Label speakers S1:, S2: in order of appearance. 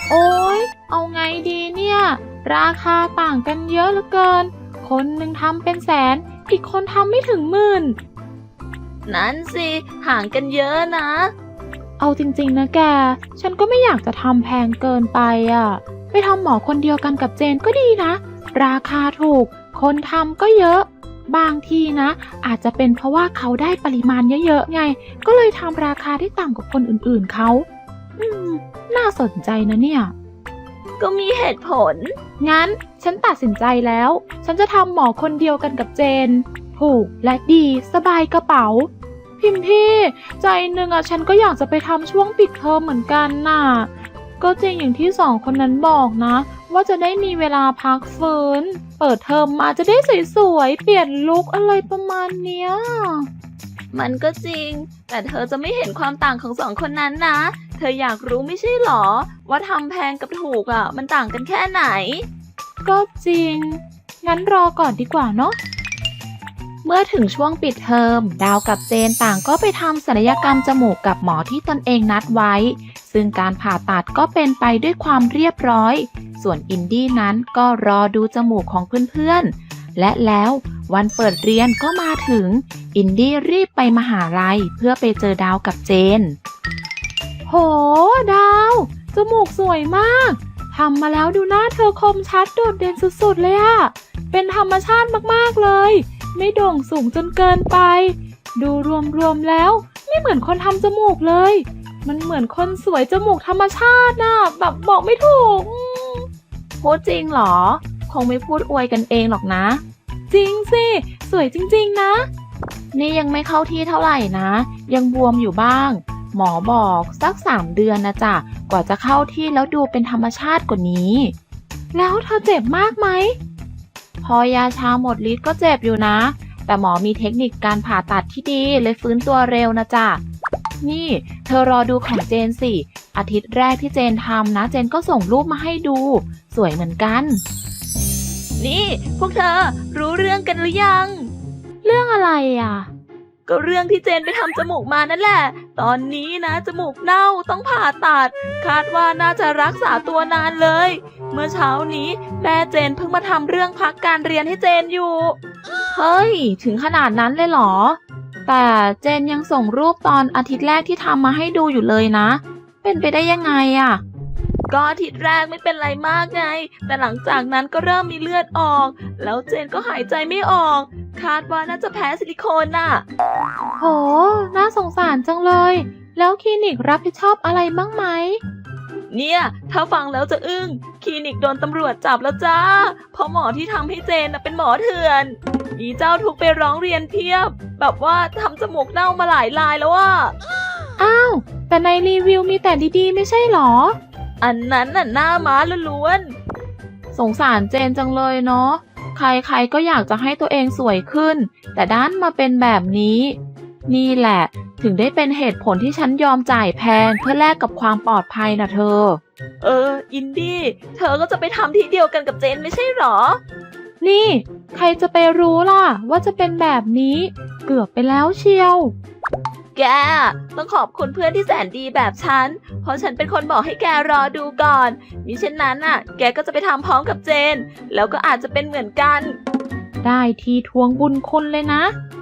S1: โอ๊ยเอาไงดีเนี่ยราคาต่างกันเยอะเหลือเกินคนหนึ่งทำเป็นแสนอีกคนทำไม่ถึง10,000
S2: นั้นสิห่างกันเยอะนะ
S1: เอาจริงๆนะแกฉันก็ไม่อยากจะทำแพงเกินไปอ่ะไปทำหมอคนเดียวกันกับเจนก็ดีนะราคาถูกคนทำก็เยอะบางทีนะอาจจะเป็นเพราะว่าเขาได้ปริมาณเยอะๆไงก็เลยทำราคาที่ต่ำกว่าคนอื่นๆเขาน่าสนใจนะเนี่ย
S2: ก็มีเหตุผล
S1: งั้นฉันตัดสินใจแล้วฉันจะทำหมอคนเดียวกันกับเจนถูกและดีสบายกระเป๋าพิมพี่ใจหนึ่งฉันก็อยากจะไปทำช่วงปิดเทอมเหมือนกันน่ะก็จริงอย่างที่สองคนนั้นบอกนะว่าจะได้มีเวลาพักฟื้นเปิดเทอมมาจะได้สวยๆเปลี่ยนลุคอะไรประมาณเนี้ย
S2: มันก็จริงแต่เธอจะไม่เห็นความต่างของ2 คนนั้นนะเธออยากรู้ไม่ใช่หรอว่าทำแพงกับถูกมันต่างกันแค่ไหน
S1: ก็จริงงั้นรอก่อนดีกว่าเนาะเมื่อถึงช่วงปิดเทอมดาวกับเจนต่างก็ไปทำศัลยกรรมจมูกกับหมอที่ตนเองนัดไว้ซึ่งการผ่าตัดก็เป็นไปด้วยความเรียบร้อยส่วนอินดี้นั้นก็รอดูจมูกของเพื่อนๆและแล้ววันเปิดเรียนก็มาถึงอินดี้รีบไปมหาลัยเพื่อไปเจอดาวกับเจนโหดาวจมูกสวยมากทำมาแล้วดูหน้าเธอคมชัดโดดเด่นสุดๆเลยอะเป็นธรรมชาติมากๆเลยไม่โด่งสูงจนเกินไปดูรวมๆแล้วไม่เหมือนคนทำจมูกเลยมันเหมือนคนสวยจมูกธรรมชาติน่ะแบบบอกไม่ถูก
S2: พูดจริงเหรอคงไม่พูดอวยกันเองหรอกนะ
S1: จริงสิสวยจริงๆนะ
S2: นี่ยังไม่เข้าที่เท่าไหร่นะยังบวมอยู่บ้างหมอบอกสัก3 เดือนนะจ๊ะกว่าจะเข้าที่แล้วดูเป็นธรรมชาติกว่านี้
S1: แล้วเธอเจ็บมากไหม
S2: พอยาชาหมดฤทธิ์ก็เจ็บอยู่นะแต่หมอมีเทคนิคการผ่าตัดที่ดีเลยฟื้นตัวเร็วนะจ๊ะนี่เธอรอดูของเจนสิอาทิตย์แรกที่เจนทำนะเจนก็ส่งรูปมาให้ดูสวยเหมือนกันนี่พวกเธอรู้เรื่องกันหรือยัง
S1: เรื่องอะไร
S2: ก็เรื่องที่เจนไปทำจมูกมานั่นแหละตอนนี้นะจมูกเน่าต้องผ่าตัดคาดว่าน่าจะรักษาตัวนานเลยเมื่อเช้านี้แม่เจนเพิ่งมาทำเรื่องพักการเรียนให้เจนอยู่
S1: เฮ้ยถึงขนาดนั้นเลยเหรอแต่เจนยังส่งรูปตอนอาทิตย์แรกที่ทำมาให้ดูอยู่เลยนะเป็นไปได้ยังไง
S2: ก็อาทิตย์แรกไม่เป็นไรมากไงแต่หลังจากนั้นก็เริ่มมีเลือดออกแล้วเจนก็หายใจไม่ออกคาดว่าน่าจะแพ้ซิลิโคน
S1: โหน่าสงสารจังเลยแล้วคลินิกรับผิดชอบอะไรบ้างไหม
S2: เนี่ยถ้าฟังแล้วจะอึ้งคลินิกโดนตำรวจจับแล้วจ้าเพราะหมอที่ทำให้เจนเป็นหมอเถื่อนมีเจ้าทุกไปร้องเรียนเพียบแบบว่าทำจมูกเน่ามาหลายรายแล้ว
S1: อ้าวแต่ในรีวิวมีแต่ดีๆไม่ใช่หรอ
S2: อันนั้นน่ะหน้าม้าล้วน
S1: สงสารเจนจังเลยเนาะใครๆก็อยากจะให้ตัวเองสวยขึ้นแต่ด้านมาเป็นแบบนี้นี่แหละถึงได้เป็นเหตุผลที่ฉันยอมจ่ายแพงเพื่อแลกกับความปลอดภัยนะเธอ
S2: อินดี้เธอก็จะไปทำที่เดียวกันกับเจนไม่ใช่หรอ
S1: นี่ใครจะไปรู้ล่ะว่าจะเป็นแบบนี้เกือบไปแล้วเชียว
S2: แกต้องขอบคุณเพื่อนที่แสนดีแบบฉันเพราะฉันเป็นคนบอกให้แกรอดูก่อนมิเช่นนั้นแกก็จะไปทำพร้อมกับเจนแล้วก็อาจจะเป็นเหมือนกัน
S1: ได้ทีทวงบุญคุณเลยนะ